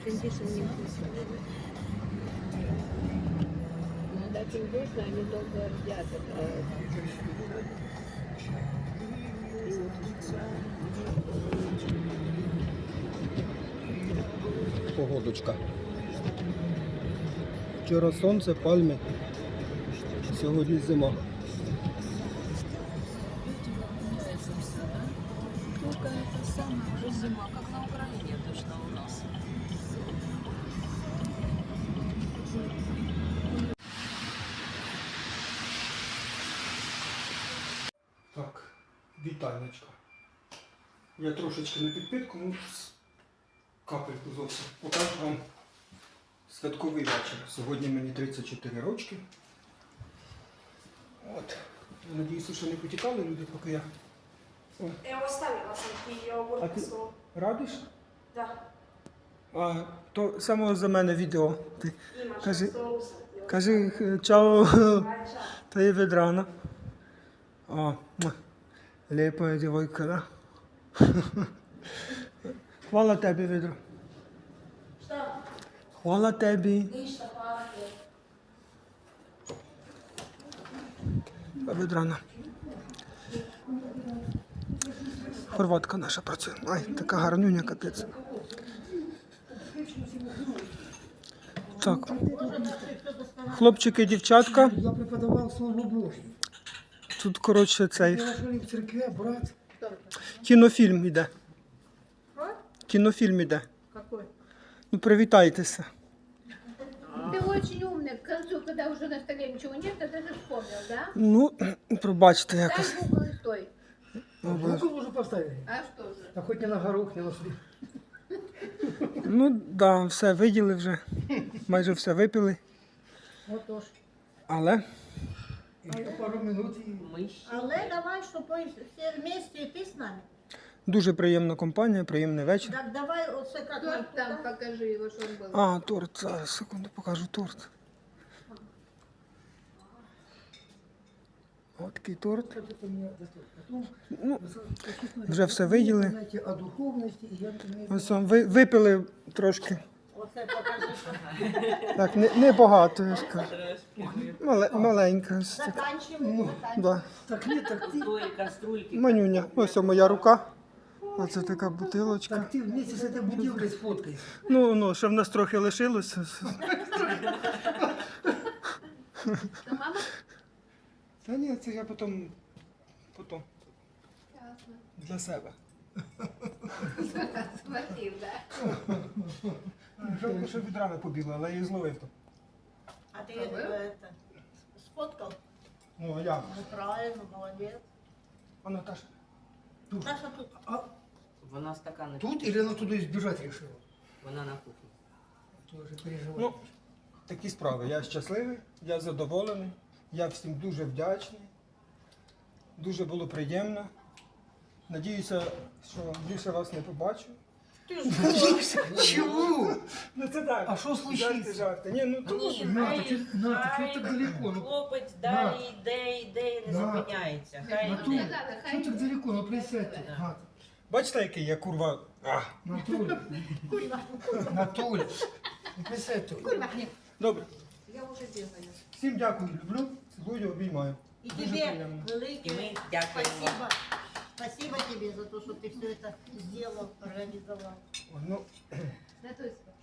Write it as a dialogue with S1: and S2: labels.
S1: Кондишн не вкусно. Когда очень вкусно, они долго рдят.
S2: Погодочка. Вчора сонце, пальми, сьогодні зима.
S3: Только это самое уже зима, как на Украине точно у нас.
S2: Так, вітальничка. Я трошечки на підпитку, ну, капельку зовсім. Покажу вам святковий вечір. Сьогодні мені 34 рочки. От. Надіюся, що не потікали люди, поки я... О.
S4: Я оставила сам
S2: А
S4: йогурт
S2: ти
S4: свого.
S2: радиш?
S4: Да.
S2: А, то саме за мене відео. Ти
S4: Іма,
S2: кажи,
S4: соуса.
S2: кажи чао,
S4: Чао.
S2: та є від рана. О, лепая дівойка, да? Хвала тобі, відро.
S4: Що?
S2: Хвала тобі.
S4: Лишта парки.
S2: Від рана. Хорватка наша працює. Ай, така гарнюня, капець. Так. Хлопчики, дівчатка.
S5: Я преподавал Слово Божье.
S2: Тут, коротше, цей
S5: Я жили в церкве, брат.
S2: кінофільм іде. Кінофільм іде.
S1: Какой?
S2: Ну, привітайтеся.
S1: Ты очень умный. К концу, когда уже на столе ничего нет, ты даже вспомнил, да?
S2: Ну, пробачте якось.
S1: Дай Google и стой.
S5: Руку уже поставили.
S1: А что же?
S5: А хоть не на горох, не на слив.
S2: Ну, да, все виділи вже. Майже все випили.
S5: Отож.
S2: Але
S5: Еще пару минут и...
S6: Але давай, щоб всі вместе і ти з нами.
S2: дуже приємна компанія, приємний вечір.
S6: Так давай оце як
S1: Торт там покажи его, что он был.
S2: А, торт. Зараз, секунду, покажу торт. От такий торт.
S5: Это мне достаточно. Потом,
S2: Ну, вже все виділи.
S5: знаете, о духовности, и я имею в виду-
S2: Ось вам випили трошки.
S6: Оце покажи.
S2: Так, не багато, я скажу. Маленька. Ось така.
S6: Заканчиваємо.
S2: Да.
S5: Так нет, так ты,
S2: Манюня. Ось моя рука. Оце така бутилочка.
S5: так ты вместе с этой бутылкой сфоткайся.
S2: Ну, ще в нас трохи лишилося.
S1: Что, мама?
S2: Та ні, це я потім
S1: Ясно.
S2: для себе.
S1: Схватил, да?
S2: Жалко, що від рани побігла, але я її зловив то.
S6: А ти это, сфоткав?
S2: Ну, а як?
S6: Ну правильно, молодець.
S2: А Наташа?
S6: Наша тут.
S5: А
S7: Вона стакани.
S5: тут или она туда избежать решила?
S7: Вона на кухні.
S5: Тоже переживаю.
S2: Ну, такі справи. Я щасливий, я задоволений, я всім дуже вдячний. Дуже було приємно. Надіюся, що більше вас не побачу.
S5: Чего?
S2: Ну це так.
S5: А що случилось?
S2: Жарти. Ні, ну то
S7: Ні,
S5: На,
S7: хай,
S5: так ти- на, так
S7: хай
S5: що так далеко? Ну,
S7: хлопець
S5: На.
S7: далі йде і не
S5: На.
S7: зупиняється. Хай
S5: На
S1: Ну,
S5: ту.
S1: не
S7: йде.
S1: надо,
S5: что
S1: хай.
S5: так далеко? Ну присядьте. Гад.
S2: бачите, який я курва.
S5: На Толе. На Толе. Ну присядьте.
S2: Добре.
S6: Я вже бігаю.
S2: Всім дякую, люблю, цілую, обіймаю.
S6: І
S2: Дуже
S6: тобі
S2: приємно.
S6: велике
S7: І ми дякуємо.
S6: спасибо. Спасибо тебе за то, что ты все это сделал, организовал.
S2: Ой, ну,
S1: На той